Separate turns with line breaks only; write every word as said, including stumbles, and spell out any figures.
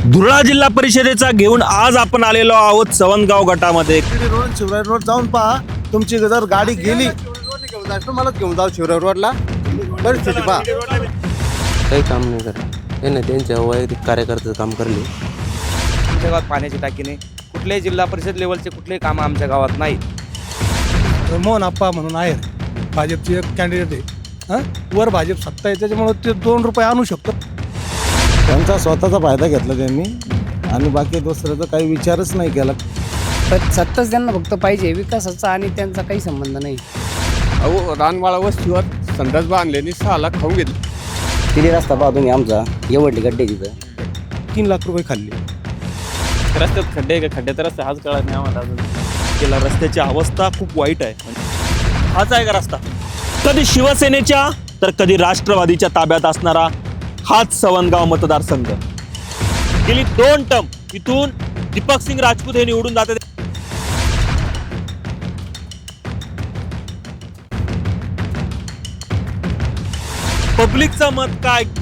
धुळा जिल्हा परिषदेचा घेऊन आज आपण आलेलो आहोत सवंतगाव गटामध्ये.
रोड शिवराय रोड जाऊन पहा, तुमची जर गाडी गेली
घेऊन जायचं मला घेऊन जाऊ शिवराय रोडला. परिस्थिती पहा,
काही काम नाही करत हे नाही, त्यांच्या वैयक्तिक कार्यकर्त्याचं काम करले.
आमच्या गावात पाण्याची टाकी नाही, कुठल्याही जिल्हा परिषद लेवलचे कुठलेही कामं आमच्या गावात नाही.
मोहन आप्पा म्हणून आहे, भाजपची एक कॅन्डिडेट आहे. हां, वर भाजप सत्ता आहे, त्याच्यामुळे ते दोन रुपये आणू शकतो. त्यांचा स्वतःचा फायदा घेतला त्यांनी आणि बाकी दुसऱ्याचा काही विचारच नाही केला.
पण सत्ताच त्यांना फक्त पाहिजे, विकासाचा आणि त्यांचा काही संबंध नाही.
अहो रानवाळा वस्तीवर संडास बांधले सहा लाख खाऊन घेतले.
तिथे रस्ता पाहा तुम्ही आमचा, एवढली गड्डे तिथं
तीन लाख रुपये खाल्ले.
रस्त्यात खड्डे का खड्डे तर रस्ते हाच कळत नाही आम्हाला अजून. गेला रस्त्याची अवस्था खूप वाईट आहे. हाच आहे का रस्ता? कधी शिवसेनेच्या तर कधी राष्ट्रवादीच्या ताब्यात असणारा हाच सवंतगाव मतदारसंघ. गेली दोन टर्म इथून दीपक सिंग राजपूत हे निवडून जाते. पब्लिकचं मत काय